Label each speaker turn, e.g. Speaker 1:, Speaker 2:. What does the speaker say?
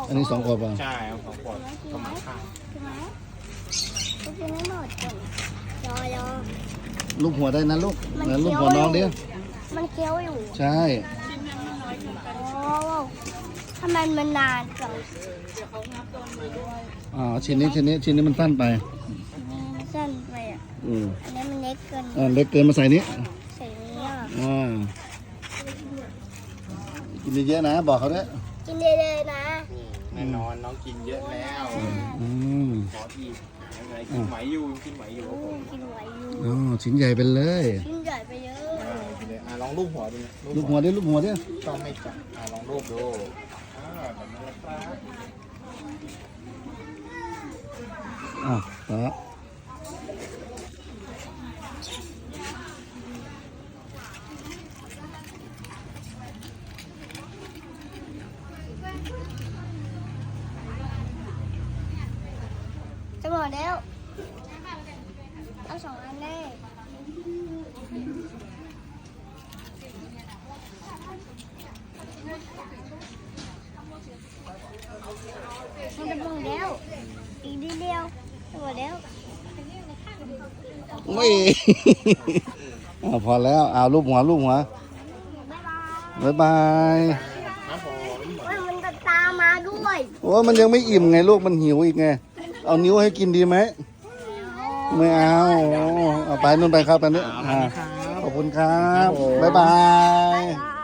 Speaker 1: อันนี้2 ขวดป่ะ
Speaker 2: ใช่เอา2 ขวดก็มาค่า
Speaker 3: ใช่ไหมก็กินไม่หมดก่อนรอ
Speaker 1: ลูกหัวได้นะลูก
Speaker 3: มัน
Speaker 1: เหมือนลูก
Speaker 3: เคี้ยว
Speaker 1: หัวน้องดิ
Speaker 3: มันเคี้ยวอยู่
Speaker 1: ใช่
Speaker 3: โอ้ทำไมมันนานจัง
Speaker 1: ชิ้นนี้มันสั้นไป
Speaker 3: มันสั้นไปอ่ะ
Speaker 1: อืม
Speaker 3: อันนี้มันเล็กเกิน
Speaker 1: เล็กเกินมาใส่นี้
Speaker 3: ใส่นี้อ่ะ
Speaker 1: กินเยอะๆนะ บอกเขาด้วย
Speaker 3: กินได้เลยนะ
Speaker 2: แน่นอนน้องกินเยอะแล้ว
Speaker 1: อืม
Speaker 2: ขออีกยังไงกินไหวอยู่กินไหวอยู่ครับผม
Speaker 3: กินไหวอยู่
Speaker 1: ชิ้นใหญ่ไปเลย
Speaker 3: ชิ้นใหญ่ไปเยอะ
Speaker 2: กินเลยลองรูปหัวดูนะ
Speaker 1: ลูกหัวดิลูกหัวดิ
Speaker 2: ต้องไม่จับลองรูปดูแบบนี้นะครับ
Speaker 1: ต่อ
Speaker 3: จะหมดแล้วเอา2 อันได้มันจะหมดแล้วอีกนิดเดียวจะหมดแล้ว
Speaker 1: ไม่ พอแล้วลูกหัว
Speaker 3: บ๊ายบาย
Speaker 1: บ๊ายบาย
Speaker 2: ครับผม
Speaker 3: มันจะตามมาด้วย
Speaker 1: โอ้มันยังไม่อิ่มไงลูกมันหิวอีกไง เอานิ้วให้กินดีไหม ไม่เอาไปนู่นไปครับตอนนี้ขอบคุณครับ บ๊ายบาย
Speaker 3: บ๊ายบาย